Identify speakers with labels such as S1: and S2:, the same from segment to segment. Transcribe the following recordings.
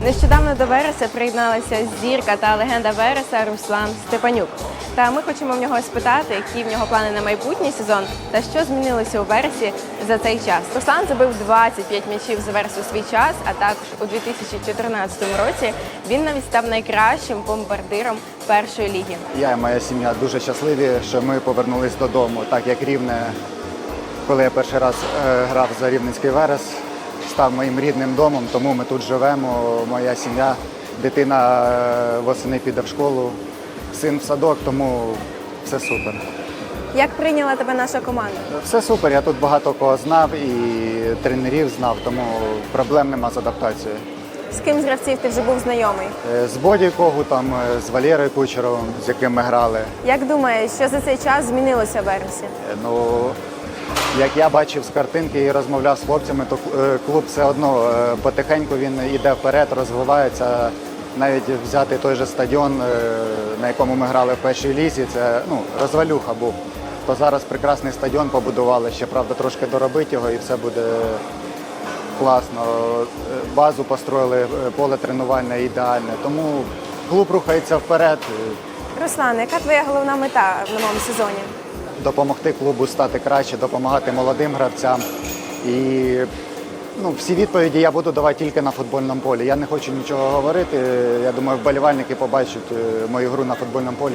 S1: Нещодавно до Вереса приєдналася зірка та легенда Вереса Руслан Степанюк. Та ми хочемо в нього спитати, які в нього плани на майбутній сезон та що змінилося у Вересі за цей час. Руслан забив 25 м'ячів за Верес у свій час, а також у 2014 році він навіть став найкращим бомбардиром першої ліги.
S2: Я і моя сім'я дуже щасливі, що ми повернулись додому, так як Рівне, коли я перший раз грав за Рівненський Верес, став моїм рідним домом, тому ми тут живемо, моя сім'я, дитина восени піде в школу, син в садок, тому все супер.
S1: Як прийняла тебе наша команда?
S2: Все супер, я тут багато кого знав і тренерів знав, тому проблем нема з адаптацією.
S1: З ким з гравців ти вже був знайомий?
S2: З Боді Когутом, з Валерою Кучеровим, з яким ми грали.
S1: Як думаєш, що за цей час змінилося в Вересі?
S2: Ну, як я бачив з картинки і розмовляв з хлопцями, то клуб все одно потихеньку він йде вперед, розвивається. Навіть взяти той же стадіон, на якому ми грали в першій лізі, це розвалюха був. То зараз прекрасний стадіон побудували, ще, правда, трошки доробити його і все буде класно. Базу построїли, поле тренувальне ідеальне, тому клуб рухається вперед.
S1: Руслан, яка твоя головна мета в новому сезоні?
S2: Допомогти клубу стати краще, допомагати молодим гравцям. І всі відповіді я буду давати тільки на футбольному полі. Я не хочу нічого говорити. Я думаю, вболівальники побачать мою гру на футбольному полі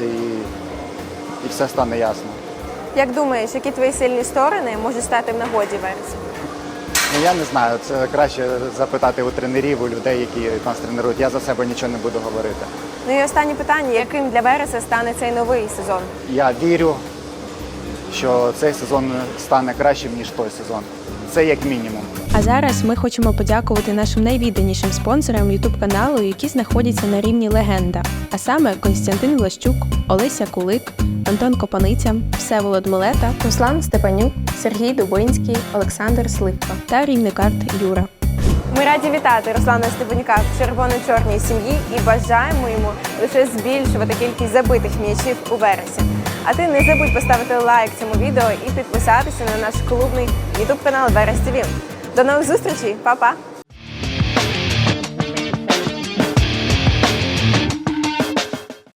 S2: і все стане ясно.
S1: Як думаєш, які твої сильні сторони можуть стати в нагоді Вересу?
S2: Я не знаю, це краще запитати у тренерів, у людей, які нас тренують. Я за себе нічого не буду говорити.
S1: Ну і останнє питання, яким для Вереса стане цей новий сезон?
S2: Я вірю, що цей сезон стане кращим, ніж той сезон. Це як мінімум.
S3: А зараз ми хочемо подякувати нашим найвідданішим спонсорам YouTube-каналу, які знаходяться на рівні легенда. А саме Костянтин Влащук, Олеся Кулик, Антон Копаниця, Всеволод Милета,
S1: Руслан Степанюк, Сергій Дубинський, Олександр Сливка
S3: та рівникарт Юра.
S1: Ми раді вітати Руслана Степанюка в червоно-чорній сім'ї і бажаємо йому лише збільшувати кількість забитих м'ячів у Вересі. А ти не забудь поставити лайк цьому відео і підписатися на наш клубний YouTube-канал Верес ТВ. До нових зустрічей, па-па!